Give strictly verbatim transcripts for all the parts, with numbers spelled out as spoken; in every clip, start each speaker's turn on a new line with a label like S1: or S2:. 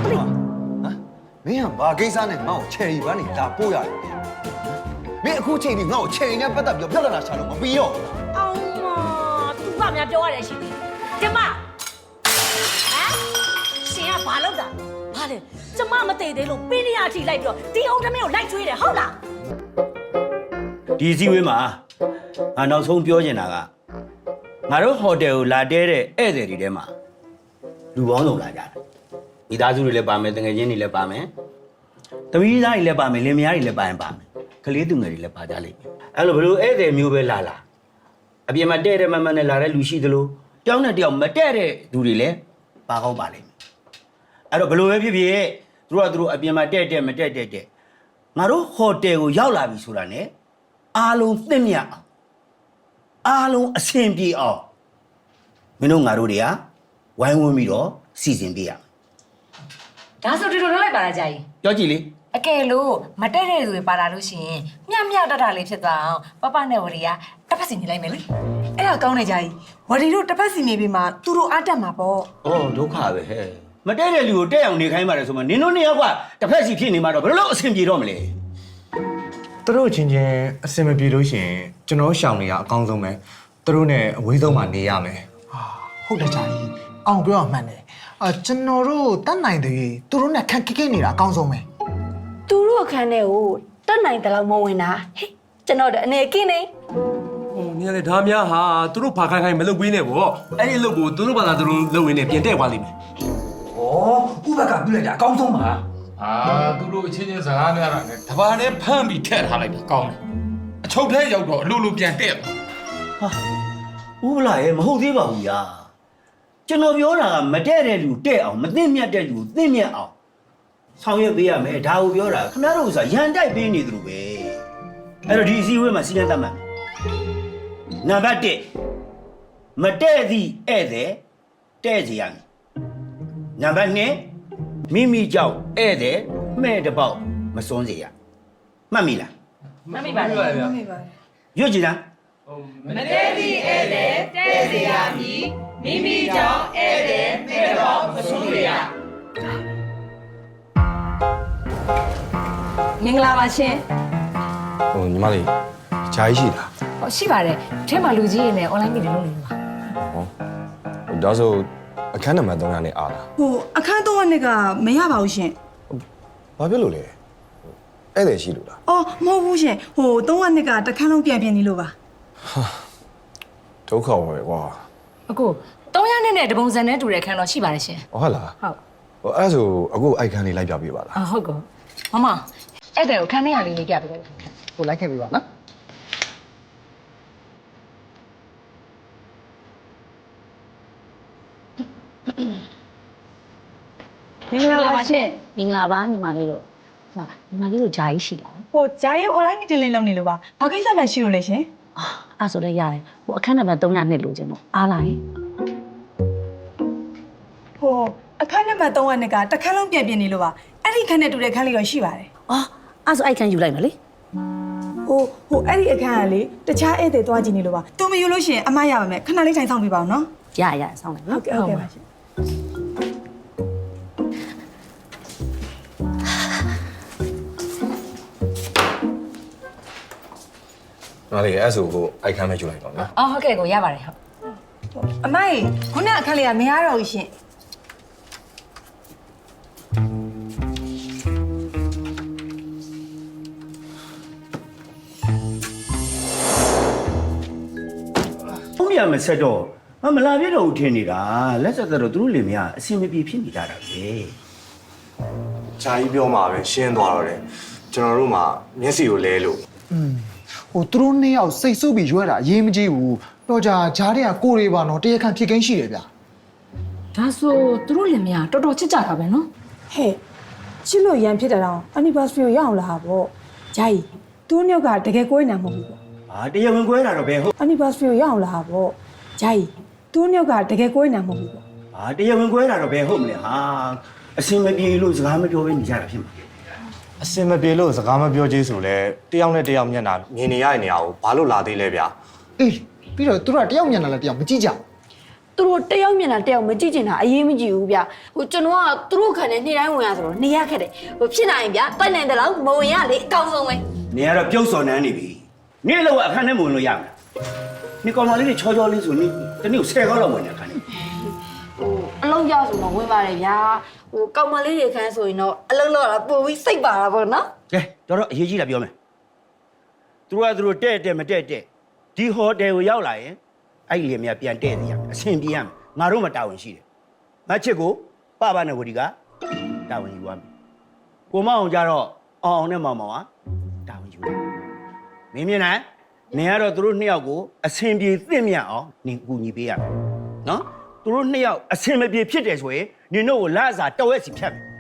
S1: မင်းကဘာကိစ္စနဲ့ငါ့ကိုချယ်ရီပန်းနေဒါပို့ရတယ်မင်းအခုချိန်ကြီးငါ့ကိုချယ်ရီနဲ့ပတ်သက်ပြီးပြဿနာရှာလို့မပြီးတော့
S2: အောင်မသူကများပြောရတယ်ရှိသေးတယ်ကျမဟမ်ရှင်ကဘာလုပ်တာဘာလဲကျမမသိသေးလို့ပင်းရအထိလိုက်ပြီးတော့ဒီအောင်သမီးကိုလိုက်ချွေးတယ်ဟုတ်လား
S3: ဒီစည်းဝေးမှာငါနောက်ဆုံးပြောချင်တာကငါတို့ဟိုတယ်ကိုလာတဲတဲ့ဧည့်သည်တွေထဲမှာလူပေါင်းစုံလာကြတယ်မိသားစုတွေလည်းပါမယ်တငယ်ချင်းတွေလည်းပါမယ်သမီးသားတွေလည်းပါမယ်လင်မယားတွေလည်းပါရင်ပါမယ်ကလေးသူငယ်တွေလည်းပါကြလိမ့်မယ်အဲ့လိုဘလို့ဧည့်သည်မျိုးပဲလာလာအပြင်မှာတဲ့တဲ့မမနဲ့လာတဲ့လူရှိသလိုတယောက်နဲ့တယောက်မတဲ့တဲ့သူတွေလည်းပါကောင်းပါလိမ့်မယ်အဲ့တော့ဘလို့ပဲဖြစ်ဖြစ်သူတို့ကသူတို့အပြင်မှာတဲ့တဲ့မတဲ့တဲ့တဲ့ငါတို့ဟိုတယ်ကိုရောက်လာပြီဆိုတာ ਨੇ အားလုံးသင့်မြတ်အောင်အားလုံးအဆင်ပြေအောင်မင်းတို့ငါတို့တွေကဝိုင်းဝန်းပြီးတော့စီစဉ်ပေးရမယ်
S4: ဒါဆိုဒီလိုလုပ်လိုက်ပါလားကြာကြီး
S3: ပြောကြည့်လေ
S4: အကယ်လို့မတက်တဲ့သူတွေပါလာလို့ရှိရင်မျှမျှတတ်တာလေးဖြစ်သွားအောင်ပပနဲ့ဝရီကတစ်ဖက်စီနေလိုက်မယ်လေ
S5: အဲ့ဒါကောင်းနေကြကြီးဝရီတို့တစ်ဖက်စီနေပြီးမှသူတို့အားတက်မှာပေါ့
S3: ဩဒုက္ခပဲဟဲ့မတဲ့တဲ့လူကိုတဲ့အောင်နေခိုင်းပါတယ်ဆိုမှနင်တို့နှစ်ယောက်ကတစ်ဖက်စီဖြစ်နေမှာတော့ဘယ်လိုအဆင်ပြေတော့မလဲ
S6: သူတို့ချင်းချင်းအစင်မပြေလို့ရှိရင်ကျွန်တော်ရှောင်နေရအကောင်းဆုံးပဲသူတို့ ਨੇ အဝေးဆုံးမှာနေရမယ်
S7: ဟာဟုတ်တယ်ကြာကြီးအောင်ပြောအောင်မှန်တယ်အာကျွန်တော်တို့တတ်နိုင်တယ်သူတို့နဲ့ခက်ခက်ခက်နေတာအကောင်းဆုံးပဲ
S2: သူတို့အခန်းထဲကိုတက်နိုင်တယ်လို့မဝင်တာဟဲ့ကျွန်တော်တို့အနေကင်းနေ
S8: ဟိုနင်လေဒါများဟာသူတို့ဘာခိုင်းခိုင်းမလုပ်ပေးနဲ့ဗောအဲ့ဒီအလုပ်ကိုသူတို့ဘာသာသူတို့လုပ်ရင်းနဲ့ပြင်တဲ့သွားလိမ့်မယ်
S9: ဩဥပက္ခပြုလိုက်တာအကောင်းဆုံးပါ
S10: အာသူတို့အချင်းချင်းစကားများတာနဲ့တဘာနဲ့ဖမ်းပြီးထည့်ထားလိုက်တာကောင်းတယ်အချုပ်ထဲရောက်တော့အလိုလိုပြန်တက်သွား
S3: ဟာဥပလာရဲ့မဟုတ်သေးပါဘူးညာကျွန်တော်ပြောတာကမတဲ့တဲ့လူတဲ့အောင်မသိမြတ်တဲ့လူသိမြတ်အောင်ဆောင်ရွက်ပေးရမယ်ဒါကိုပြောတာခင်ဗျားတို့ဥစ္စာရန်တိုက်ပေးနေသလိုပဲအဲ့တော့ဒီအစည်းအဝေးမှာစီးတဲ့တတ်မှတ်နံပါတ်တစ်မတဲ့သည့်ဧည့်သည်တဲ့စီရမယ်နံပါတ်နှစ်မိမိကြောင့်ဧည့်သည်မဲ့တစ်ပေါက်မစွန်းစေရမှတ်မိလား
S4: မမိပါနဲ့
S3: ရွတ်ကြည့်လား
S4: မတဲသည့်ဧည့်သည်တဲ့စီရမည်မိမိကြောင့်ဧည့်သည်မဲ့တော့မဆုံးရမင်္ဂလာပါရှင်
S6: ဟိုညီမလေးဂျာကြီးရှိလား
S4: ဟောရှိပါတယ်ထဲမှာလူကြီးတွေနဲ့ online meeting လုပ်နေလို့ပါ
S6: ဟောဒါဆိုအခန်းနံပါတ်သုံးရာနဲ့အားလား
S5: ဟိုအခန်းသုံးနှစ်ကမရပါဘူးရှင်
S6: ဘာဖြစ်လို့လဲဧည့်သည်ရှိလို့လား
S5: အော်မဟုတ်ဘူးရှင်ဟိုသုံးနှစ်ကတစ်ခန်းလုံးပြန်ပြင်နေလို့ပါ
S6: ဒုက္ခပဲကွာ
S4: အခုသုံးရနဲ့နဲ့တပုံစံနဲ့တူတဲ့အခန်းတော့ရှိပါတယ်ရှင်
S6: ဟုတ်လား
S4: ဟုတ်
S6: ဟိုအဲ့ဒါဆိုအခုအိုက်ခန်းလေးလိုက်ပြပေးပါလား
S4: အဟုတ်ကောမမအဲ့တဲ့ကိုခန်းထဲရလေးလေးပြပေးလိုက်ကိုလိုက်ခဲ့ပြီပါနော်မင်္ဂလာပါရှင်
S2: မင်္ဂလာပါညီမလေးတို့ဟာညီမလေးတို့ဂျာကြီးရှိလား
S5: ဟိုဂျာရဲ့ online meeting လေးလုပ်နေလို့ပါဘာကိစ္စမှရှိလို့လဲရှင်
S2: အာအဲ့ဆိုလည်းရတယ်ဟိုအခန်းနံပါတ်သုံးရနှစ်လို့ခြင်းပေါ့အားလိုက်
S5: ဟိုအခန်းနံပါတ်သုံးနှစ်ကတစ်ခန်းလုံးပြန်ပြင်နေလို့ပါအဲ့ဒီခန်းနဲ့တူတဲ့ခန်းလေးတော့ရှိပါတယ်
S2: အော်အဲ့ဆိုအဲ့ခန်းယူလိုက်မယ်လေ
S5: ဟိုဟိုအဲ့ဒီအခန်းကလေတခြားဧည့်သည်သွားကြည့်နေလို့ပါသူမယူလို့ရှိရင်အမရပါမယ်ခဏလေးထိုင်ဆောင်ပြပါအောင်နော်
S2: ရရဆောင်းလိုက်
S5: ဟု
S2: နော်
S5: တ်ကဲ့ဟုတ်ကဲ့ပါရှင်
S6: ညီမလေးအဲ့ဒါဆိုကိုအိုက်ခန်းမဲ့ယူလိုက်တော့နော်
S4: အော်ဟုတ်ကဲ့ကိုရပါတယ်ဟုတ်
S5: အမကြီးခုနအခန်းလေးကမရတော့ဘူးရှင်
S3: ဘုံရမဆက်တော့မမလာပြတော့ဦးထင်နေတာလက်ဆက်တော့သူတို့လင်မယားအဆင်မပြေဖြစ်နေကြတာပဲ
S6: ဂျာကြီးပြောမှာပဲရှင်းသွားတော့တယ်ကျွန်တော်တို့မှာမျက်စိကိုလဲလို့
S7: อืมဟိုသူတို့နှစ်ယောက်စိတ်ဆုပ်ပြီးရွက်တာအရေးမကြီးဘူးတော့ကြာဂျားတွေကကိုတွေပါတော့တရားခံဖြစ်ကင်းရှိတယ်ဗျာ
S4: ဒါဆိုသူတို့လင်မယားတော်တော်ချစ်ကြတာပဲနော်
S5: ဟဲ့ချစ်လို့ရန်ဖြစ်တာတော့ anniversary ကိုရအောင်လာပေါ့ဂျာကြီးသူတို့နှစ်ယောက်ကတကယ်ကိုယ်နေမှာမဟုတ်ဘူးပေါ့
S3: ဟာတရားဝင်ကွဲတာတော့ဘယ်ဟုတ်
S5: anniversary ကိုရအောင်လာပေါ့ဂျာကြီးသူတို့နှစ်ယောက်ကတကယ်ကိုယ်နေမှာမဟုတ်ဘူးပေါ့
S3: ဟာတရားဝင်ကွဲတာတော့ဘယ်ဟုတ်မလဲဟာအဆင်မပြေလို့စကားမပြောဘဲနေကြတာဖြစ်မှာ
S6: အစင်မပြေလို့စကားမပြောသေးဆိုလဲတယောက်နဲ့တယောက်မျက်နှာမြင်နေရတဲ့နေရာကိုဘာလို့လာသေးလဲဗျာ
S7: အေးပြီးတော့သူတို့ကတယောက်ညံတယ်လည်းတယောက်မကြည့်ကြဘူး
S5: တ
S11: သူတို့တယောက်မျက်နှာတယောက်မကြည့်ချင်တာအရေးမကြီးဘူးဗျဟိုကျွန်တော်ကသူတို့ခံနေနေ့တိုင်းဝင်ရဆိုတော့နေရခက်တယ်ဟိုဖြစ်နိုင်ဗျတိုက်နိုင်တယ်လို့မဝင်ရလေအကောင်းဆုံးပဲ
S3: နေရတော့ပြုတ်စော်နှမ်းနေပြီနေလောက်အခန်းထဲမဝင်လို့ရမှာနေကောင်မလေးတွေချောချောလေးဆိုနေတနေ့ဆယ်ခေါက်လောက်ဝင်နေအခန်းထဲ
S11: ဟိုအလုံးရဆိုတော့ဝင်ပါတယ်ဗျာဟိုကောင်မလေးတွေခန်းဆိုရင်တော့အလုံးလောက်တာပို့ပြီးစိတ်ပါတာပေါ့နော်
S3: ကဲတော်တော်အရေးကြီးတာပြောမယ်သူတို့ကသူတို့တဲ့တဲ့မတဲ့တဲ့ဒီဟိုတယ်ကိုရောက်လာရင်အဲ့ဒီလေမြပြန်တဲ့နေရမယ်အဆင်ပြေရမယ်ငါတို့မှတာဝန်ရှိတယ်မချစ်ကိုပပနဲ့ဝတီကတာဝန်ယူရမယ်ကိုမအောင်ကြတော့အောင်အောင်နဲ့မောင်မောင်ကတာဝန်ယူတယ်မင်းမြင်နိုင်နေရတော့သူတို့နှစ်ယောက်ကိုအဆင်ပြေသင့်မြတ်အောင်နင်ကူညီပေးရမယ်နော်သူတို့နှစ်ယောက်အဆင်မပြေဖြစ်တယ်ဆိုရင်နင်တို့ကိုလစာတဝက်စီဖြတ်မယ်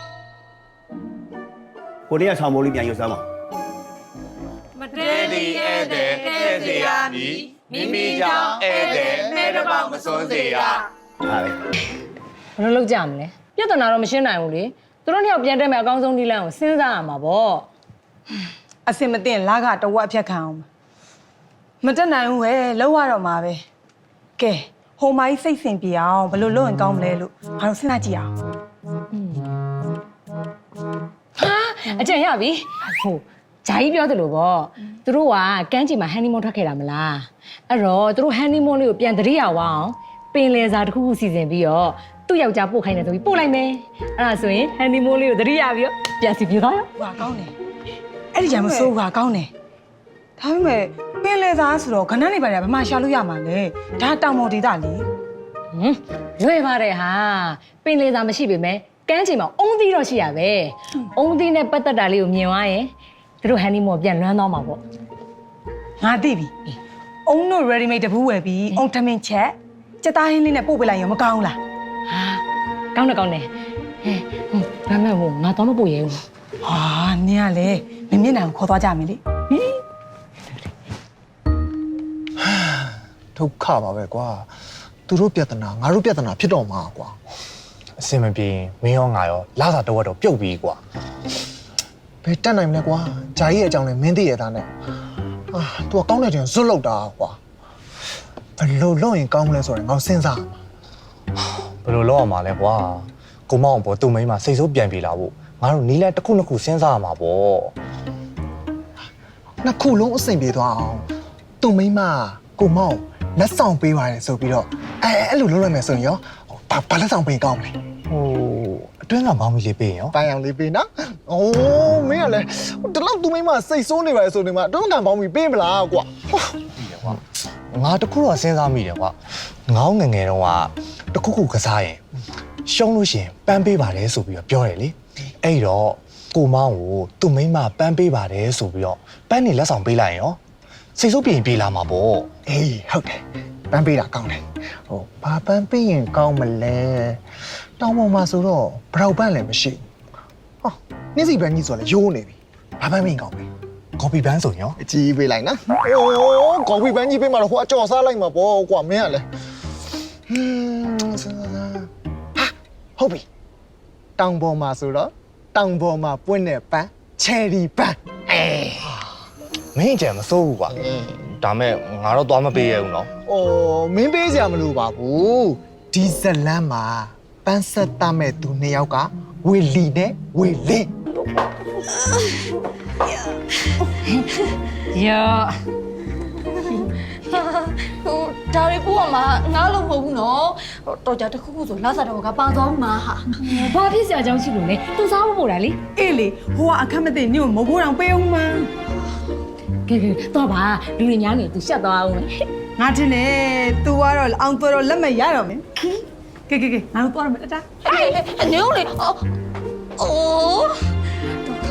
S3: ကိုနေရဆောင်မိုးလေးပြန်ယူစမ်းပါ
S4: မတဲဒီဧည့်သည်တဲစီရမည်မိမိကြောင့်ဧည့်သည်မဲတစ်ပေါက်မစွန်းစေရ
S3: ဟာပဲ
S12: ဘယ်လိုလုပ်ကြမလဲပြဿနာတော့မရှင်းနိုင်ဘူးလေသူတို့နှစ်ယောက်ပြန်တက်မယ်အကောင်းဆုံးဒီလမ်းကိုစဉ်းစားရမှာပေါ့
S5: အစင်မတင်လာကတဝက်အဖြတ်ခံအောင်မတက်နိုင်ဘူးပဲလောက်ရတော့မှာပဲကဲဟိုမိုင်းစိတ်ဆင်ပြေအောင်ဘယ်လိုလုပ်ရင်ကောင်းမလဲလို့ဘာလို့စဉ်းစားကြည့်အောင်
S12: ဟာအကျင့်ရပြီဟိုဂျာကြီးပြောတယ်လို့ပေါ့သူတို့ကကမ်းခြေမှာဟန်နီမွန်းထွက်ခဲ့တာမလားအဲ့တော့သူတို့ဟန်နီမွန်းလေးကိုပြန်တရိယာဝအောင်ပင်လယ်စာတစ်ခုခုစီစဉ်ပြီးတော့သူ့ယောက်ျားပို့ခိုင်းတယ်ဆိုပြီးပို့လိုက်မယ်အဲ့ဒါဆိုရင်ဟန်နီမွန်းလေးကိုတရိယာပြီးတော့ပြန်စီပြေသွားရော
S5: ဟာကောင်းတယ်အဲ့ဒီကြမစိုးဘူးဟာကောင်းတယ်ဒါပေမဲ့ပင်လေသားဆိုတော့ခဏနေပါလေဘာမှရှာလို့ရမှာလဲဒါတောင်ပေါ်ဒေသလေ
S12: ဟမ်လွယ်ပါတယ်ဟာပင်လယ်စာမရှိပေမဲ့ကမ်းခြေမှာအုံးသီးတော့ရှိရပဲအုံးသီးနဲ့ပတ်သက်တာလေးကိုမြင်သွားရင်သူတို့ဟန်နီမွန်းပြန်လွမ်းသွားမှာပေါ့
S5: ငါသိပြီအုံတို့ ready made တပူးဝယ်ပြီးအုံထမင်းချက်စက်သားဟင်းလေးနဲ့ပို့ပေးလိုက်ရင်မကောင်းလား
S12: ဟာကောင်းတယ်ကောင်းတယ်ဟဲ့ဘာမှမဟုတ်ငါတော့မပို့ရဲဘူး
S5: ဟာနင်ကလေမင်းမျက်နှာကိုခေါ်သွားကြမယ်လေ
S7: ဒုက္ခပါပဲကွာသူတို့ပြဿနာငါတို့ပြဿနာဖြစ်တော့မှာကွာ
S6: အစင်မပြေရင်မင်းရောငါရောလာစာတော့တော့ပြုတ်ပြီးကွာ
S7: ဘယ်တက်နိုင်မလဲကွာဂျာကြီးရဲ့အကြောင်းလဲမင်းသိရတာနဲ့အာသူကကောင်းတဲ့ချိန်ဇွတ်လောက်တာကွာဘယ်လိုလုပ်ရင်ကောင်းမလဲဆိုရင်ငါစဉ်းစား
S6: ဘယ်လိုလုပ်အောင်မလဲကွာကိုမောင်ပေါ်သူ့မိန်းမစိတ်ဆိုးပြန်ပြေလာဖို့ငါတို့နီးလဲတစ်ခုနှစ်ခုစဉ်းစားရမှာပေါ့
S7: နှစ်ခုလုံးအဆင်ပြေသွားအောင်သူ့မိန်းမကိုမောင်လက်ဆောင်ပေးပါတယ်ဆိုပြီးတော့အဲအဲ့လိုလုပ်လိုက်မယ်ဆိုရင်ရောဘာဘာလက်ဆောင်ပေးကောင်းမလဲ
S6: ဟိုအတွင်းကမောင်မီလေးပေးရင်ရော
S7: ပိုင်အောင်လေးပေးနော်။အိုးမင်းကလည်းဒီလောက်သူမိမစိတ်ဆိုးနေပါလေဆိုနေမှာအတွန်းကန်ပေါင်းပြီးပေးမလားကွာ
S6: ပြီးတယ်ကွာငါတခုတော့စဉ်းစားမိတယ်ကွာငေါငငယ်တော့ကတခုခုကစားရင်ရှုံးလို့ရှိရင်ပန်းပေးပါတယ်ဆိုပြီးတော့ပြောတယ်လေအဲ့တော့ကိုမောင်ကိုသူ့မိန်းမပန်းပေးပါတယ်ဆိုပြီးတော့ပန်းနေလက်ဆောင်ပေးလိုက်ရင်ရောစိတ်ဆိုးပြေရင်ပြေးလာမှာပေါ့
S7: ။အေးဟုတ်တယ်။ပန်းပေးတာကောင်းတယ်။ဟိုဘာပန်းပေးရင်ကောင်းမလဲ။တောင်းပေါ်မှာဆိုတော့ဘရောက်ပန်းလည်းမရှိဘူး။ဟောနေ့စီပန်းကြီးဆိုလည်းရိုးနေပြီ။ဘာပန်းပေးရင်ကောင်းမလဲ
S6: ကော်ပီပန်းဆိုရင်ရော
S7: ။အကြီးပေးလိုက်နော်။အိုးကော်ဖီပန်းကြီးပေးမှတော့ဟိုအကြော်စားလိုက်မှာပေါ့ကွာမင်းကလည်းဟင်းစဉ်းစားဟာဟုတ်ပြီ။တောင်ပေါ်မှာဆိုတော့တောင်ပေါ်မှာပွင့်တဲ့ပန်းချယ်ရီပန်းအေး
S6: မင်းကြံမစိုးဘူးကွာဒါမဲ့ငါတော့သွားမပေးရဘူးနော်
S7: ။အော်မင်းပေးစရာမလိုပါဘူး။ဒီဇလန်းမှာပန်းဆက်တမဲ့သူနှစ်ယောက်ကဝေလီနဲ့ဝေလင်း
S12: ယော
S11: ဟိုဒါတွေပို့ရမှာငါလို့မဟုတ်ဘူးနော်ဟိုတော်ကြတစ်ခုခုဆိုလာစားတော့ကပါသွားမှာဟာ
S12: ဘာဖြစ်စရာအကြောင်းရှိလို့လဲသူစားဖို့ပို့တာလေ
S5: အေးလေဟိုကအခက်မသိနင့်ကိုမဘိုးတောင်ပေးအောင်မ
S12: ကဲကဲတော့ပါလူတွေများနေသူရှက်သွားအောင်
S5: ငါတင်နေ तू ကတော့အောင်တော်တော်လက်မရတော့မင်းကဲကဲကဲငါတို့သွားရမယ်တတာ
S11: ဟဲ့နေဦးလေအော်အိုးဒုက္ခပါ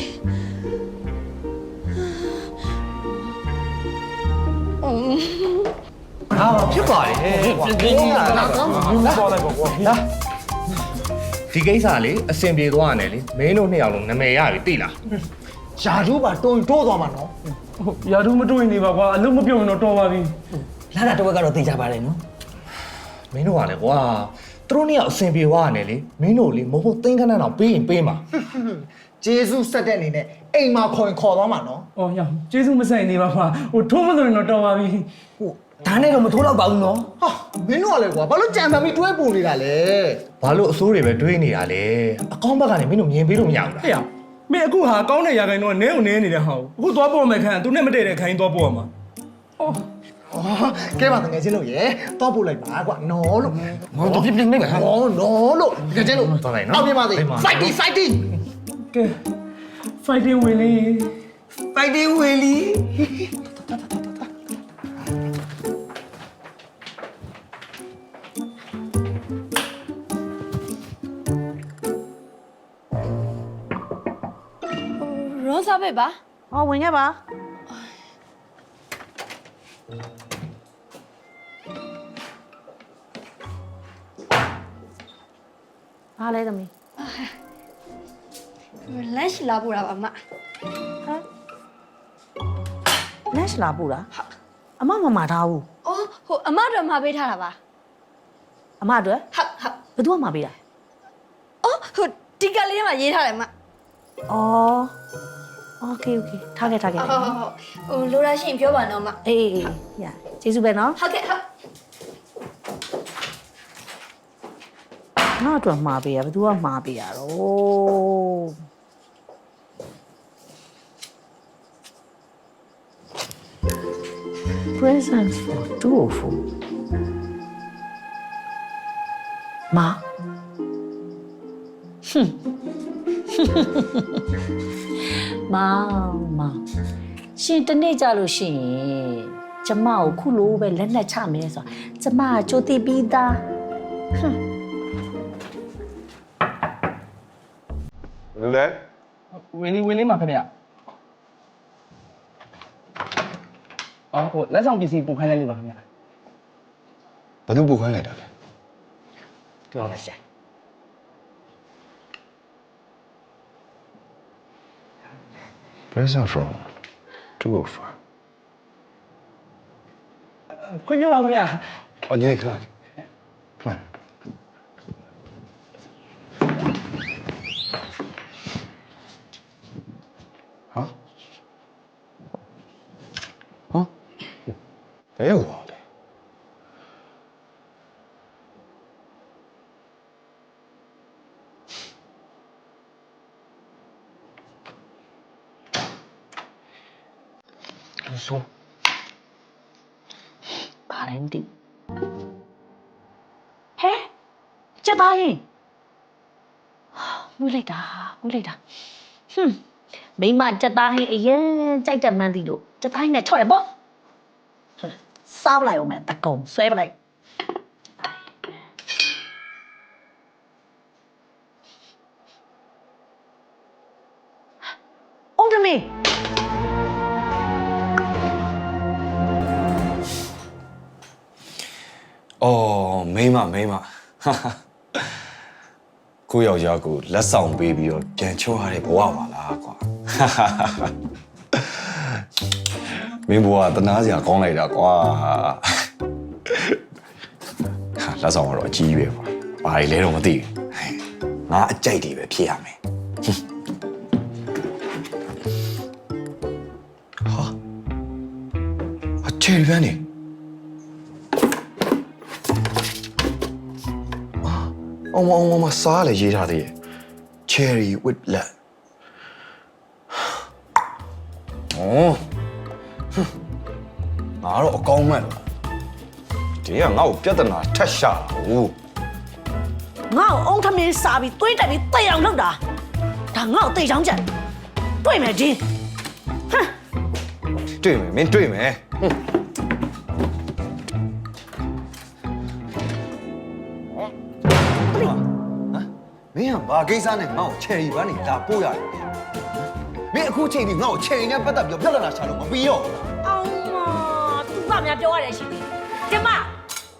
S6: ဟာဖြစ်ပါတယ်ကွာဒီကိစ္စလေအစင်ပြေသွားရတယ်လေမင်းတို့နှစ်ယောက်လုံးနာမည်ရပြီသိလား
S7: ။ယာတို့ပါတွန်းတိုးသွားမှာနော်
S8: ရာထူးမတွေ့နေပါကွာအလုံးမပြုံရင်တော့တော်ပါပြီ
S9: လာတာတော့ကတော့သိကြပါတယ်နော်
S6: မင်းတို့ကလည်းကွာသူတို့နှစ်ယောက်အစင်ပြေသွားရတယ်လေမင်းတို့လေမဟုတ်သိန်းခဏတော့ပေးရင်ပေးမှာ
S7: ။ဂျေစုဆက်တဲ့အနေနဲ့အိမ်မှာခေါ်ရင်ခေါ်သွားမှာနော်
S8: အော်ရကျေးဇူးမဆိုင်နေပါကွာဟိုထုံးမလို့ရင်တော့တော်ပါပြီ
S7: ။ဟို
S9: ဒါနဲ့တော့မထိုးတော့ပါဘူးနော်
S7: ဟာမင်းတို့ကလည်းကွာဘာလို့ကြံပန်ပြီးတွဲပူနေတာလဲ
S6: ဘာလို့အစိုးတွေပဲတွေးနေတာလဲအကောင်းဘက်ကနေမင်းတို့မြင်ပေးလို့မရဘူးလား
S8: ဟဲ့ရမင်းအခုဟာကောင်းတဲ့ရာခိုင်တော့နဲုံနဲနေတဲ့ဟာကိုအခုသွားပေါ်မယ်ခန့်သူနဲ့မတည့်တဲ့ခိုင်းသွားပေါ်မှာ
S7: ဟာကဲပါတကယ်ချင်းလို့ရေတော့ပို့လိုက်ပါကွာနော်လို့
S9: ဟောပြပြနေပါ
S7: နော်နော်လို့တကယ်ချင်းလို့
S6: သွားလိုက်နော်
S7: အောက်ပြပါစေ fighting fighting
S8: ကဲ fighting ဝင်လေ
S9: ဖိုက်တင်းဝေလီ
S11: ရောစားပဲပါ
S2: ဟောဝင်ခဲ့ပါအားလဲသမီး
S11: လန့်ရှိလာပို့တာပါမ
S2: လက်ရှလာပို့တာအမမမထားဘူး
S11: အော်ဟိုအမတော်မှာပေးထားတာပါ
S2: အမအတွက်
S11: ဟုတ်ဟုတ်
S2: ဘယ်သူမှမပေးတာ
S11: အော်ဟိုဒီကလေးမှာရေးထားတယ်မ
S2: ဩโอเคโอเคထားခဲ့ထားခဲ့
S11: ဟုတ်ဟုတ်ဟုတ်ဟိုလိုရရှိရင်ပြောပါတော့မ
S2: အေးအေးရကျေးဇူးပဲနော်
S11: ဟုတ်ကဲ့ဟုတ်
S2: ငါ့အတွက်မှာပေးရဘယ်သူကမှာပေးရတော့ presents for two of you မာဟွန်းမာမာရှင်တနေ့ကြလို့ရှိရင်ကျမကိုခုလိုပဲလက်နဲ့ချမယ်ဆိုတာကျမကကြိုသိပြီးသားဟွန်း
S10: လဲ
S9: ဝင်လီဝင်လီမှာခင်ဗျအော်ဟိုလက်ဆောင်ပစ္စည်းပုံခိုင်းလိုက်လို့ပါခင်ဗျ
S1: ဘယ်သူပို့ခိုင်းလိုက်တာလဲ
S9: ပြောလိုက်စမ်း
S1: present from two of you
S9: ခွင့်ပြုပါခင်ဗျ
S1: အော်ညနေခဏမှန်ဟာဟမ်ဘယ်ရောက်သွားလဲ
S9: ဆို
S2: ဘာလဲမသိဟဲ့ချက်သားရင်ငွေလိုက်တာငွေလိုက်တာဟွန်းမိမချက်သားဟင်းအရင်ကြိုက်တယ်မှန်းသိလို့ချက်သားဟင်းနဲ့ချော့ရပေါ့စားပလိုက်အောင်မယ်တကုံဆွဲပလိုက်အောင်တမေ
S1: အော်မိမမိမကိုယောက်ျားကိုလက်ဆောင်ပေးပြီးတော့ပြန်ချောရတဲ့ဘဝပါလားကွာမင်းဘဝတနာစရာကောင်းလိုက်တာကွာဟာလက်ဆောင်ကတော့အကြီးပဲကွာဘာလဲတော့မသိဘူးငါအကြိုက်တွေပဲဖြစ်ရမယ်ဟာအချေပန်းနေအောင်မအောင်မစားလေရေးထားသေးရဲ့ cherry with blood အော်ငါတော့အကောင်းမဲ့လို့ဒီကငါ့ကိုပြဿနာထက်ရှာဘူး
S2: ငါ့ကိုအောင်ထမင်းစားပြီးသွေးတက်ပြီးတိတ်အောင်လုပ်တာဒါငါ့ကိုတိတ်ချောင်းကြံတွေ့မယ်ဒီဟမ်
S1: တွေ့မယ်မင်းတွေ့မယ်ဟွန်းမင်းကဘာကိစ္စနဲ့ငါ့ကို cherry ဘန်းနေဒါပို့ရတယ်မင်းအခုချိန်ဒီငါ့ကို cherry နဲ့ပတ်သက်ပြီးပြဿနာရှာလို့မပြီးတော့
S2: အောင်မသူကများပြောရတယ်ရှိသေးကျမဟမ်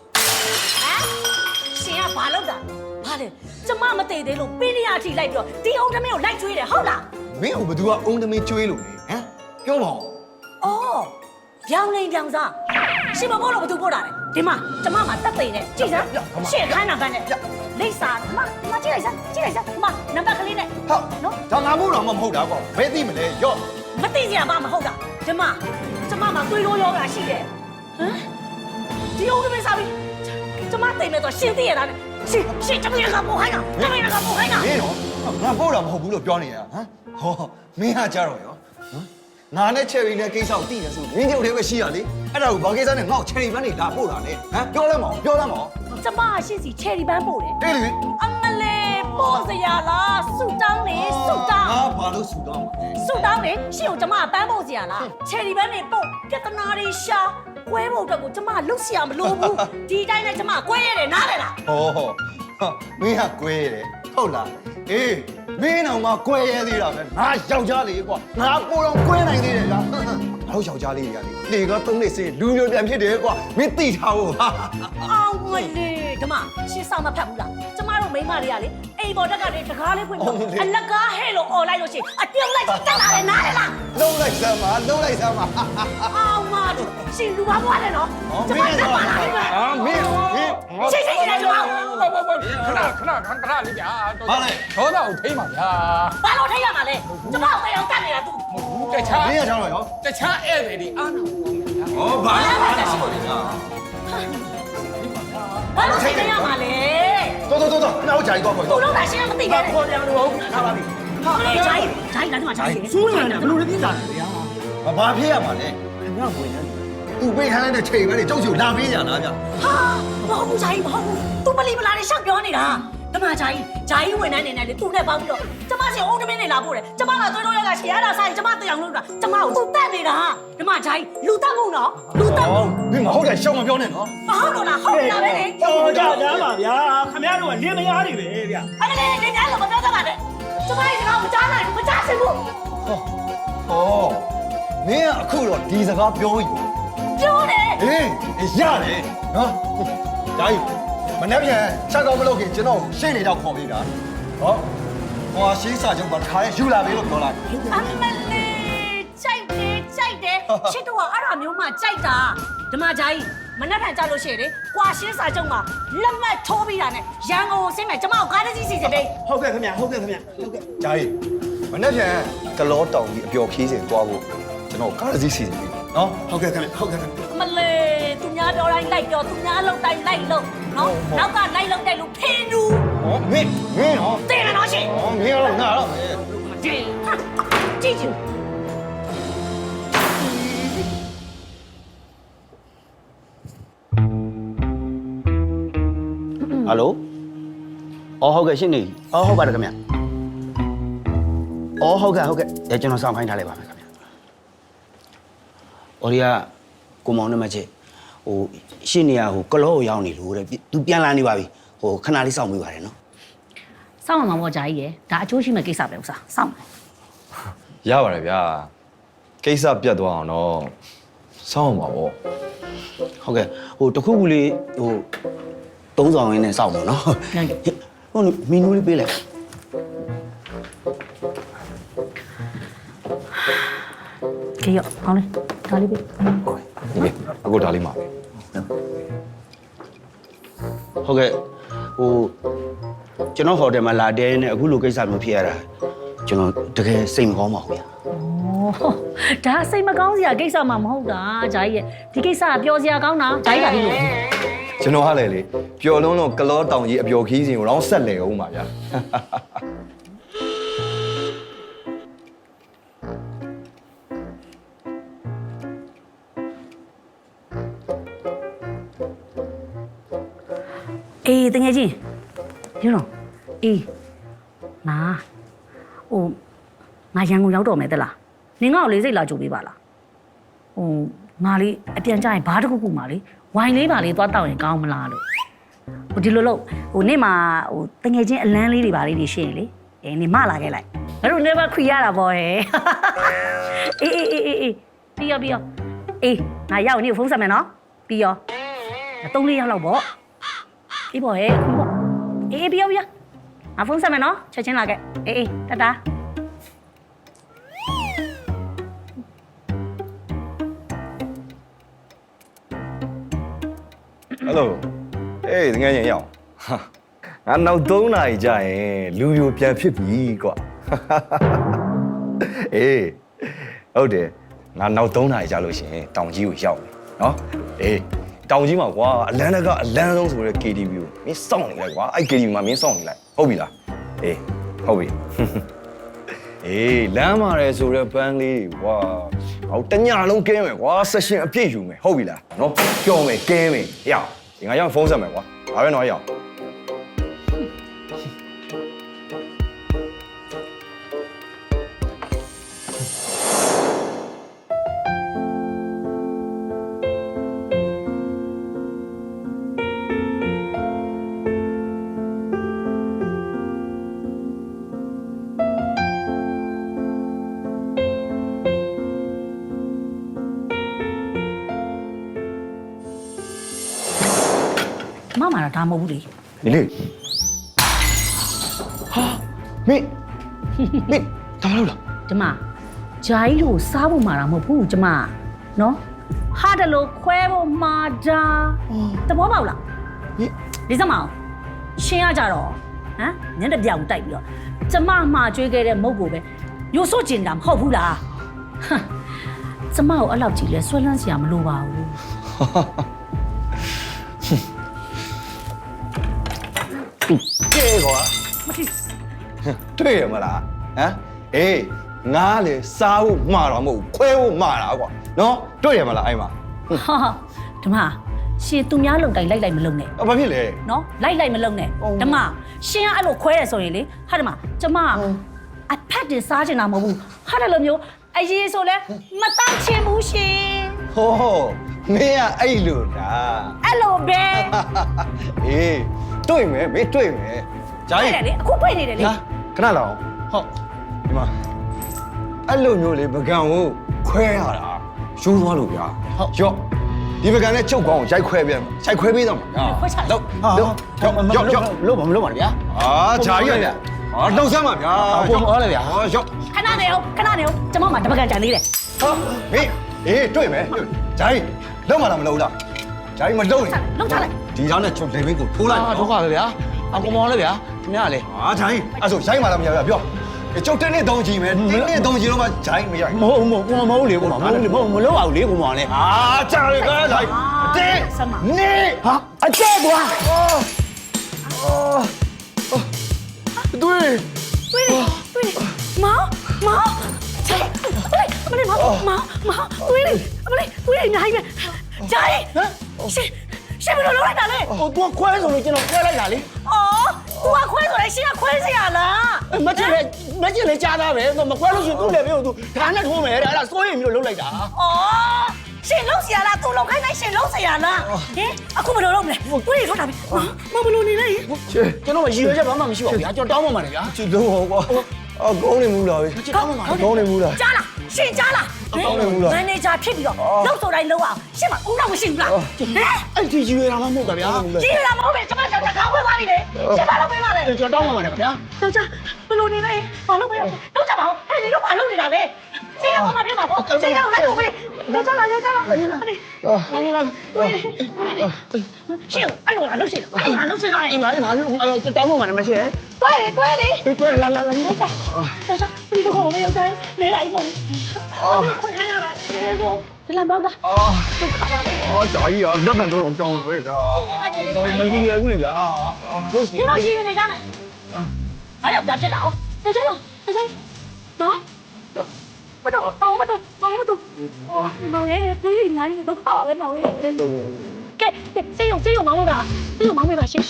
S2: ရှင်ကဘာလုပ်တာဘာလဲကျမမတည်သေးလို့ပင်းရအထိလိုက်ပြီးတော့ဒီအောင်ထမင်းကိုလိုက်ကျွေးတယ်ဟုတ်လား
S1: မင်းကဘသူကအုံးသမီးကျွေးလို့လေဟမ်ပြောပါဦး
S2: အော်ပြောင်းနေပြောင်းစားရှင်မပို့လို့ဘသူပို့တာလဲဒီမှာကျမမှာတက်သိနေကြည့်စမ်းရှင့်ခိုင်းတာကနဲ့လိပ်စာမမကြည့်လိုက်စမ်းကြည့်လိုက်စမ်းမနံပါတ်ကလေးနဲ့
S1: ဟုတ်နော်ဒါငါမို့တော့မဟုတ်တာကွာဘယ်သိမလဲရော့
S2: မသိစရာမှမဟုတ်တာကျမကျမမှာသွေးရိုးယောဂါရှိတယ်ဟမ်ဒီအောင်မင်းစားပြီကျမတိမ်မဲ့တော့ရှင်းသိရတာနဲ့ရှင်းရှင်းကျမရကပို့ခိုင်းတာကျမရကပို့ခိုင်းတာ
S1: မင်းတော့ငါပို့တာမဟုတ်ဘူးလို့ပြောနေရဟမ်ဟောမင်းဟာကြတော့ရောဟမ်ငါနဲ့ချယ်ရီနဲ့ကိစ္စကိုသိနေဆိုမင်းတို့တည်းပဲရှိရလေအဲ့ဒါကိုဘာကိစ္စနဲ့ငါ့ကိုချယ်ရီပန်းနေလာပို့တာလေဟမ်ပြောလဲမအောင်ပြောလဲမအောင်
S2: ကျမရှင်းစီချယ်ရီပန်းပို့တယ်
S1: အေးလေ
S2: အမလေးပို့စရာလားဆူတောင်းလေဆူတောင်း
S1: ငါဘာလို့ဆူတောင်းမှာ
S2: ဆူတောင်းလေရှင်းကိုကျမပန်းပို့စရာလားချယ်ရီပန်းနေပို့ပြဿနာတွေရှာကွဲဖို့အတွက်ကိုကျမလုတ်စရာမလိုဘူးဒီတိုင်းနဲ့ကျမကွဲရတယ်နားလေလား
S1: ဟောဟောမင်းဟာကွဲတယ်ဟုတ်လားအေးမင်းတော့ငါကွဲရဲသေးတာပဲငါယောက်ျားလေးကွာငါပိုတော့ကွဲနိုင်သေးတယ်ကွာငါတို့ယောက်ျားလေးတွေကလေလေကသုံးနေစေလူမျိုးပြန်ဖြစ်တယ်ကွာမင်းသိထားဖို့ဟာ
S2: အောင်မလေးဓမ္မရှင်းဆောင်မဖတ်ဘူးလားကျမတို့မိန်းမတွေကလေအိမ်ပေါ်တက်ကနေတကားလေးဖွင့်ပြီးအလကားဟဲ့လို့អော်လိုက်လို့ရှိရင်အပြုံးလိုက်တက်လာတယ်နားလေလား
S1: လုံးလိုက်စမ်းပါလုံးလိုက်စမ်းပါ
S2: အောင်မတို့ရှင်လူပါဘွားတယ်နော်ကျမတက်ပါလား
S1: အာမင်းမင်း
S2: ရှင်းရှင်းရှင်းကျမ
S10: ဘောဘောဘောခဏခဏခဏလေးဗျာဒေါသကိုထိမ့်ပါဗျာ
S2: ဘာလို့ထိုင်ရမှာလဲကျမကိုအောင်တက်နေတာ तू
S10: တခြား
S1: မင်းရချောင်းရော
S10: တခြားဧည့်သည်တွေအားနာဖို့ဗျာ
S1: ဟောဘာလဲဘာလဲရှိပါလိမ့်ငါ
S2: ဘာလို့ထိုင်ရမှာလဲ
S1: တော်တော်တော်တော်နောက်ကြိုင်တော့ခေါ်
S2: သူတို့ကရှင်းမသိခဲ့ဘူး
S1: ခေါ်တယ်လို့ထားပါပြီ
S2: ဟာလေဂျိုင်းဂျိုင်းလာတော့ဂျိုင်း
S1: စူးနေတာဘယ်လိုလဲပြတာလဲဗျာဘာဖြစ်ရမှာလဲခင်ဗျာဝင်နေသူပေးထားတဲ့ချိန်ပဲလေကြောက်ချူလာပေးကြလားဗျာ
S2: ဟာမဟုတ်ဘူးဂျိုင်းမဟုတ်ဘူး तू မလီမလာနဲ့ရှောက်ပြောနေတာဓမ္မဂျိုင်းဂျိုင်းဝင်နေနေလေသူ့နဲ့ပေါင်းပြီးတော့ကျမစီအုံးတမင်းနေလာပို့တယ်ကျမကသွေးတော့ရကရှေ့ရတာဆိုင်ကျမတရားလို့တာကျမကိုသူ့တက်နေတာဓမ္မဂျိုင်းလူတက်မှုနော်လူတက်မှု
S1: မင်းမဟုတ်တယ်ရှောင်းမပြောနဲ့နော်
S2: မဟုတ်တော့လားဟုတ်တာပဲလေ
S3: တော်ကြကြပါဗျာခင်ဗျားတို့ကလင်းမယားတွေပဲဗျာ
S2: အဲ့ဒါလေနေကြလို့မပြောတတ်ပါနဲ့ကျမရဲ့စကားမကြားနိုင်ဘူးမကြားစင်ဘူး
S1: ဟောမင်းကအခုတော့ဒီစကားပြောယူ
S2: ပြောတယ်
S1: ဟေးရတယ်နော်ဒါကြီးမနေ့ပြန်ချက်ကောင်းမလုပ်ခင်ကျွန်တော်ရှင်းနေတော့ခေါ်ပေးတာဟောဟောရှင်းစာချုပ်မှာခါရဲယူလာပြီလို့ပြောလိုက်
S2: အမလေးကြိုက်တယ်ကြိုက်တယ်ချစ်တော့အဲ့ဒါမျိုးမှကြိုက်တာဓမ္မဂျိုင်းမနှက်ထန်ကြလို့ရှိရင်လေကွာရှင်းစာချုပ်မှာလက်မှတ်ထိုးပြီးတာနဲ့ရန်ကုန်ကိုဆင်းမယ်ကျမကိုကားတစ်စီးစီစဉ်ပေး
S3: ဟုတ်ကဲ့ခင်ဗျာဟုတ်ကဲ့ခင်ဗျာဟုတ်ကဲ့
S1: ဂျာကြီးမနေ့ပြန်ကလောတောင်ကြီးအပျော်ခီးစဉ်သွားဖို့ကျွန်တော်ကားတစ်စီးစီစဉ်ပြီနော်
S3: ဟုတ်ကဲ့ခင်ဗျာဟုတ်ကဲ့ခင်ဗျာ
S2: အမလေးသူများပြောတိုင်းလိုက်ပြောသူများလောက်တိုင်းလိုက်လို့နော်နောက်ကလိုက်လောက်တဲ့လူဖင်းလူ
S1: ဟောမင်းမင်းဟော
S2: တဲ့နော်ရှင်
S1: ဟောမင်းတော့ငါတော့မယ်
S2: ကြည့်ဟာကြည့်ကြည့်
S3: ဟယ်လိုအော်ဟုတ်ကဲ့ရှင်းနေအော်ဟုတ်ပါတယ်ခင်ဗျာအော်ဟုတ်ကဲ့ဟုတ်ကဲ့အဲကျွန်တော်စောင့်ခိုင်းထားလိုက်ပါမယ်ခင်ဗျာအော်ဒီကကိုမောင်နဲ့မချစ်ဟိုရှင်းနေရဟိုကလောကိုရောက်နေလို့တဲ့သူပြန်လာနေပါပြီဟိုခဏလေးစောင့်မိပါတယ်နော်
S2: စောင့်အောင်ပါဂျာကြီးရယ်ဒါအချိုးရှိမဲ့ကိစ္စပဲဥစားစောင့်
S13: ရပါတယ်ဗျာကိစ္စပြတ်သွားအောင်တော့စောင့်အောင်ပါဗော
S3: ဟုတ်ကဲ့ဟိုတခုခုလေးဟိုသုံးဆောင်ရင်းနဲ့စောင့်ပါနော်ဟိုမီနူလေးပေးလိုက်
S2: ခေရောကောင်းလေဒါလေးပေး
S13: ဟုတ်ကဲ့အခုဒါလေးမှာပဲ
S3: ဟုတ်ကဲ့ဟိုကျွန်တော်ဟိုတယ်မှာလာတဲနေအခုလိုကိစ္စမျိုးဖြစ်ရတာကျွန်တော်တကယ်စိတ်မကောင်းပါဘူးဗျာ
S2: ဩဒါစိတ်မကောင်းစရာကိစ္စမှမဟုတ်တာဂျာကြီးရယ်ဒီကိစ္စကပြောစရာကောင်းတာဂျာကြီးကပြီးလို့
S13: ကျွန်တော်ဟာလေလေပျော်လုံးလုံးကလောတောင်ကြီးအပျော်ခီးစဉ်ကိုတော့ဆက်လေအောင်ပါဗျာ
S2: အေးတကယ်ချင်းယူတော့အေးနာဟိုငါရန်ကုန်ရောက်တော့မယ်တလားနင်ငါ့ကိုလေးစိတ်လာကြိုပေးပါလားဟိုငါလေးအပြန်ကြရင်ဘာတစ်ခုခုမှလေဝိုင်လေးပါလေးသွားတောက်ရင်ကောင်းမလားလို့ဟိုဒီလိုလို့ဟိုနေ့မှာဟိုတကယ်ချင်းအလန်းလေးတွေပါလေးတွေရှင်းလေအေးနေမလာခဲ့လိုက်ငါတို့နေမခွေရတာပေါ့ဟဲ့အေးအေးအေးအေးပြီးရောပြီးရောအေးငါရောက်နေဖုန်းဆက်မယ်နော်ပြီးရောသုံးလေးရောက်လောက်ပေါ့အေးပေါ့ဟဲ့ခုပေါ့အေးပြီးရောပြီးရောငါဖုန်းဆက်မယ်နော်ချက်ချင်းလာခဲ့အေးအေးတတာ
S13: ဟယ်လိုအေးတကယ်ရင်ရအောင်ငါနောက်သုံးနာရီကြာရင်လူပြိုပြန်ဖြစ်ပြီကွာအေးဟုတ်တယ်ငါနောက်သုံးနာရီကြာလို့ရှိရင်တောင်ကြီးကိုရောက်ပြီနော်အေးတောင်ကြီးမှာကွာအလန်းတကအလန်းဆုံးဆိုတဲ့ K T V ကိုမင်းစောင့်နေလိုက်ကွာအဲ့ K T V မှာမင်းစောင့်နေလိုက်ဟုတ်ပြီလားအေးဟုတ်ပြီအေးလမ်းမှာရဲဆိုတဲ့ပန်းလေးကွာဟောတညလုံးကဲမယ်ကွာဆက်ရှင်အပြည့်ယူမယ်ဟုတ်ပြီလားနော်ကြော်မယ်ကဲမယ်ရအောင်ဒီငါရောက်ဖုန်းဆက်မယ်ကွာဒါပဲနော်ရအောင်
S2: မမတော့ဒါမဟုတ်ဘူးလေ
S13: ဒီလေဟာမင်းမင်းဒါမလို့လား
S2: ကျမဂျာကြီးလို့စားဖို့မှာတော့မဟုတ်ဘူးကျမနော်ဟာတယ်လို့ခွဲဖို့မှာတာတဘောပေါက်လားဒီစမအောင်ရှင်းရကြတော့ဟမ်ညနေပြောင်တိုက်ပြီးတော့ကျမမှာကျွေးခဲ့တဲ့မုတ်ကိုပဲရိုးစွတ်ကျင်တာမဟုတ်ဘူးလားကျမကိုအဲ့လောက်ကြည့်လဲဆွဲလန်းစရာမလိုပါဘူး
S13: ကဲကွာတွေ့ရမလားဟမ်အေးငါလေစားဖို့မှာတော့မဟုတ်ခွဲဖို့မှာတာကွာနော်တွေ့ရမလားအဲ့မှာ
S2: ဟာဓမ္မရှင်သူများလုံတိုင်လိုက်လိုက်မလုံနဲ့
S13: အဘာဖြစ်လဲ
S2: နော်လိုက်လိုက်မလုံနဲ့ဓမ္မရှင်ကအဲ့လိုခွဲရဆိုရင်လေဟာဓမ္မကျမအဖက်တင်စားချင်တာမဟုတ်ဘူးဟာတယ်လို့မျိုးအရေးဆိုလဲမတတ်ချင်ဘူးရှင်
S13: ဟောမင်းကအဲ့လိုလား
S2: အဲ့လိုပဲ
S13: အေးတွေ့မယ်မင်းတွေ့မယ်ဂျာ
S2: တွေ့
S13: ကြီး
S2: တယ်လေအခုတွေ့နေတယ်လေ
S13: ဟာခဏလောက်ဟုတ်ဒီမှာအဲ့လိုမျိုးလေပကံကိုခွဲရတာရိုးသွားလို့ဗျာဟုတ်ရော့ဒီပကံနဲ့ချုပ်ကောင်းကိုရိုက်ခွဲပြန်ရိုက်ခွဲပေးတော့မှာဟာလောက်လောက်ရော့ရော့လို့မလို့ပါဗျာအာဂျာကြီးဗျာဟာလှုပ်ဆမ်းပါဗျာဟောဟောလေဗျာဟောရော့
S2: ခဏနေအောင်ခဏနေအောင်ကျမမှာတပကံကြံသေးတယ်
S13: ဟာမင်းအေးတွေ့မယ်ဂျာကြီးလောက်မှလားမလောက်လားဂျာကြီးမလောက်ရင်
S2: လောက်ထားလိုက်
S13: ဒီကြောင်နဲ့ချုပ်လေဘင်းကိုထိုးလိုက်
S9: ဒုက္ခပဲဗျာအကောင်မောင်လည်းဗျာခင်ဗျားလေ
S13: ဟာဂျာကြီးအဲ့ဆိုရိုက်မှလားမရဘူးပြောကျုပ်တင်းနဲ့တုံးကြည့်မယ်တင်းနဲ့တုံးကြည့်တော့မှဂျာကြီးမရိုက်
S9: မဟုတ်မဟုတ်ကိုမဟုတ်လေကိုမဟုတ်လေမဟုတ်မလို့အောင်လေကိုမောင်လေ
S13: အာဂျာကြီးကဂျာကြီးတင်းနေဟာအကျဲကွာအော်အော်တွေ့
S2: တွေ့တယ်တွေ့တယ်မောင်မောင်ချစ်အမလေးမောင်မောင်မောင်တွေ့တယ်အမလေးတွေ့တယ်အများကြီးပဲဂျာကြီးရှင်ရှင်ဘယ်လိုလုပ်လိုက်တာလဲ
S9: ဟိုသူခွဲဆိုလို့ကျွန်တော်ခွဲလိုက်တာလေ
S2: အော်သူကခွဲဆိုရင်ရှင်ကခွဲစီရလား
S9: မချစ်လေမချစ်လေကြားသားပဲမခွဲလို့ရှိရင်သူ့လေဘေးကိုသူဓာတ်နဲ့ထိုးမယ်တဲ့အဲ့ဒါစိုးရိမ်ပြီးလို့လုပ်လိုက်တာ
S2: အော်ရှင်လုံးစီရလားသူလုံးခိုင်းလိုက်ရှင်လုံးစီရလားဟင်အခုဘယ်လိုလုပ်မလဲတွေ့ရထွက်တာပြီမဘယ်လိုနေလဲ
S9: ကျွန်တော်ရည်ရွယ်ချက်ဘာမှမရှိပါဘူးဗျာကျွန်တော်တောင်းပန်ပါတယ်ဗျာ
S13: ချစ်တော့ကွာအကောင်းနေမှုလားပဲ
S9: ကျွန်တော်တောင်းပန်ပါတယ်
S13: ကောင်းနေမှုလား
S2: ကြားလားရှင်ကြားလားမန်နေဂျာဖြစ်ပြီးတော့လောက်ဆိုတိုင်းလုံးအောင်ရှင်မဦးတော့မရှိဘူးလားဟမ်
S9: အဲ့ဒီရည်ရွယ်တာမှမဟုတ်တာဗျာ
S2: ကြီးရမဟုတ်ပဲကျမကတော့ကောင်းဝင်ပါလိမ့်မယ်ရှင်မလုပ်ပေးပါနဲ့
S9: ကျွန်တော်တောင်းပန်ပါတယ်ဗျာ
S2: တော့ကြဘယ်လိုနေလဲဘာလုပ်ပေးတော့ကြပါဦးအဲ့ဒီတော့ဘာလုပ်နေတာလဲရှင်ကဘာဖြစ်မှာပေါ့ရှင်ကလည်းလုပ်ပေးတော့ကြလာကြလာရှင်အဲ့လိုလားလုပ်ရှင်အဲ့လိုလုပ်ရှင်အဲ့
S9: အိမ်မှာငါတို့တောင်းပန်ပါတယ်မရှိရဲ့
S2: တွဲတွဲလေ
S9: တွဲလာလာလာ
S2: တော့ကြတော့ကြဒီတော့မရောက်တိုင်းနေလိုက်ပါအော်ခွင့်ရတာဒီလမ်းပေါ့လား
S7: အော်အော်ဂျာကြီးอ่ะလက်မှန်တော့ကြောင်းပဲကွာတော်မကြီးရဘူးလေဗျာတို့စီ
S2: ဒီလိုရှိနေကြတယ်အဲ့ရောက်ကြတော့တက်ကြတော့တက်ကြတော့မတော့တော့မတော့မတော့မောင်ရဲ့ဒီငါ့တော့ပါပဲမောင်ရဲ့ကဲစေယုံစေယုံမောင်ကစေယုံမောင်ပဲပါရှင်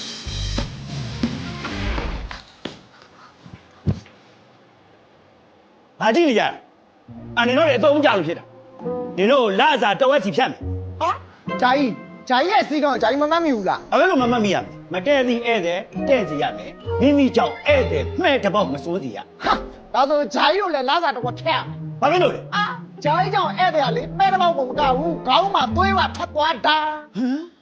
S9: ဘာကြည့်နေကြအနင်တို့လည်းအသုံးကြလို့ဖြစ်တာနင်တို့လာစားတဝက်စီဖြတ်မယ်
S7: ဟာဂျာကြီးဂျာကြီးရဲ့စီကောင်ဂျာကြီးမမှတ်မိဘူးလား
S9: အဲ့လိုမမှတ်မိရမယ်မတည့်သည်ဧည့်သည်တဲ့စီရမယ်မိမိကြောင့်ဧည့်သည်မှဲ့တစ်ပေါက်မစိုးစီရ
S7: ဟာဒါဆိုဂျာကြီးတို့လည်းလာစားတော့ထက်
S9: ဘာဖြစ်လို့လဲ
S7: အာဂျာကြီးကြောင့်ဧည့်သည်ကလေမဲတော့မကောက်ဘူးခေါင်းမှာသွေးပါဖတ်သွားတာ
S9: ဟမ်